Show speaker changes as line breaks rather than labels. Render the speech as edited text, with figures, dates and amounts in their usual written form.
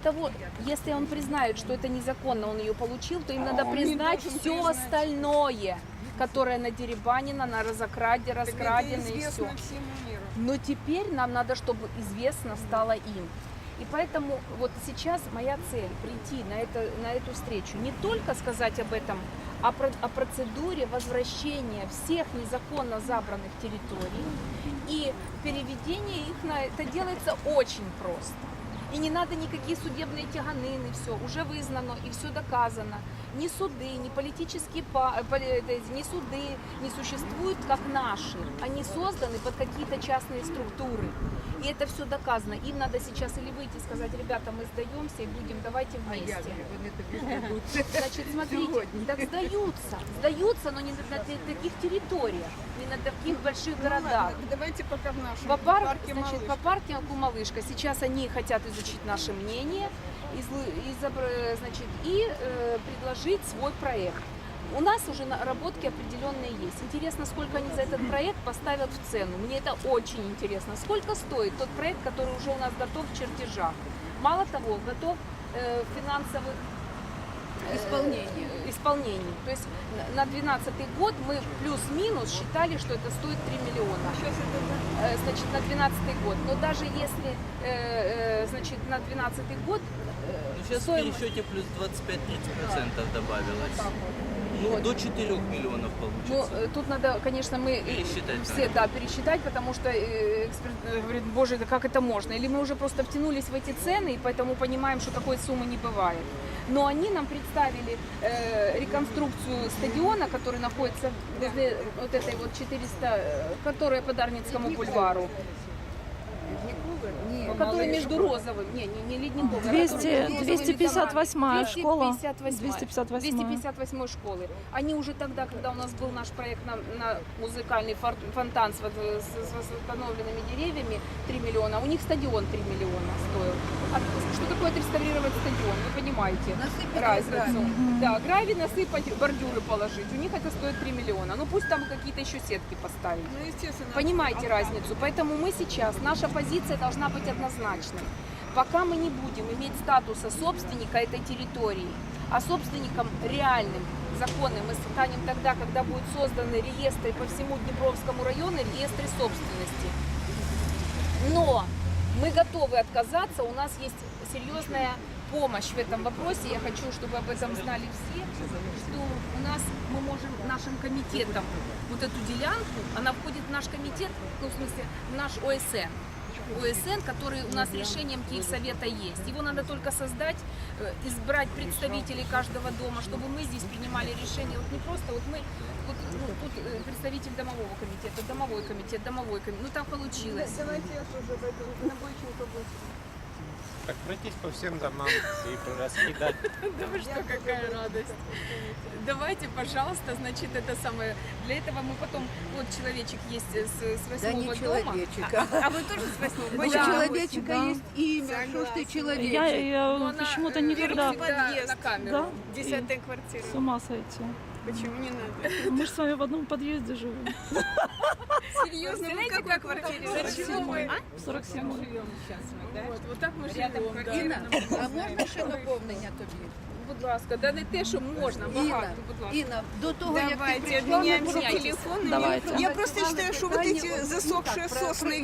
Того, если он признает, что это незаконно, он ее получил, то им надо признать все остальное, которое надеребанено, на раскрадено и все. Но теперь нам надо, чтобы известно стало им. И поэтому вот сейчас моя цель прийти на эту встречу, не только сказать об этом, а о процедуре возвращения всех незаконно забранных территорий и переведения их на... Это делается очень просто. И не надо никакие судебные тяганины, все уже вызнано и все доказано. Ни суды, ни политические, ни суды не существуют как наши. Они созданы под какие-то частные структуры. И это все доказано. Им надо сейчас или выйти и сказать: ребята, мы сдаемся и будем, давайте вместе. Значит, смотрите, так сдаются, но не на таких территориях, не на таких больших городах.
Давайте пока в нашем
парке Малышка. По парку Малышка. Сейчас они хотят изучить наше мнение и предложить свой проект. У нас уже наработки определенные есть. Интересно, сколько они за этот проект поставят в цену. Мне это очень интересно. Сколько стоит тот проект, который уже у нас готов в чертежах? Мало того, готов в финансовых исполнении. То есть на 2012 год мы плюс-минус считали, что это стоит 3 миллиона. Значит, на 2012 год. Но даже если значит, на 2012 год...
Сейчас в пересчете плюс 25-30% добавилось. Ну, до 4 миллионов получится.
Ну, тут надо, конечно, мы все пересчитать, потому что эксперт говорит: боже, да как это можно? Или мы уже просто втянулись в эти цены, и поэтому понимаем, что такой суммы не бывает. Но они нам представили реконструкцию стадиона, который находится возле вот этой вот 400, которая по Дарницкому бульвару. Который между Розовым, не Ледниковым,
258-я школа.
258 школы. Они уже тогда, когда у нас был наш проект на музыкальный фонтан с восстановленными деревьями 3 миллиона, у них стадион 3 миллиона стоил. А что такое отреставрировать стадион? Вы понимаете разницу. Да, гравий насыпать, бордюры положить. У них это стоит 3 миллиона. Ну пусть там какие-то еще сетки поставить.
Ну, естественно.
Понимаете разницу? Поэтому мы сейчас, наша позиция должна быть однозначной. Пока мы не будем иметь статуса собственника этой территории, а собственником реальным, законным мы станем тогда, когда будут созданы реестры по всему Днепровскому району, реестры собственности. Но мы готовы отказаться, у нас есть серьезная помощь в этом вопросе. Я хочу, чтобы об этом знали все, что у нас мы можем нашим комитетом вот эту делянку, она входит в наш комитет, ну, в смысле, в наш ОСН, который у нас решением Киевсовета есть. Его надо только создать, избрать представителей каждого дома, чтобы мы здесь принимали решения. Вот не просто, вот мы, вот, ну, тут представитель домового комитета, домовой комитет, ну так получилось.
Давайте я тоже пойду на Бойченко будет.
Так пройтись по всем домам и раскидать.
Да вы что, какая радость. Давайте, пожалуйста, значит, это самое. Для этого мы потом, вот человечек есть с 8-го дома. А вы тоже с 8-го дома?
У человечика есть имя, что ж ты человечек?
Я почему-то никогда
на камеру.
10-я квартира.
с ума сойти.
Почему не надо?
Мы же с вами в одном подъезде живем.
Серьезно,
Вы в какой квартире?
В 47-й.
Вот так ми живемо.
Інна, а можна ще доповнення тобі?
Будь ласка, да не те, що можна, багато, будь ласка.
Інна, до того, як ти
Давайте
прийшла,
обменяемся
Давайте.
телефонами.
Давайте.
Я просто считаю, что вот эти засохшие сосны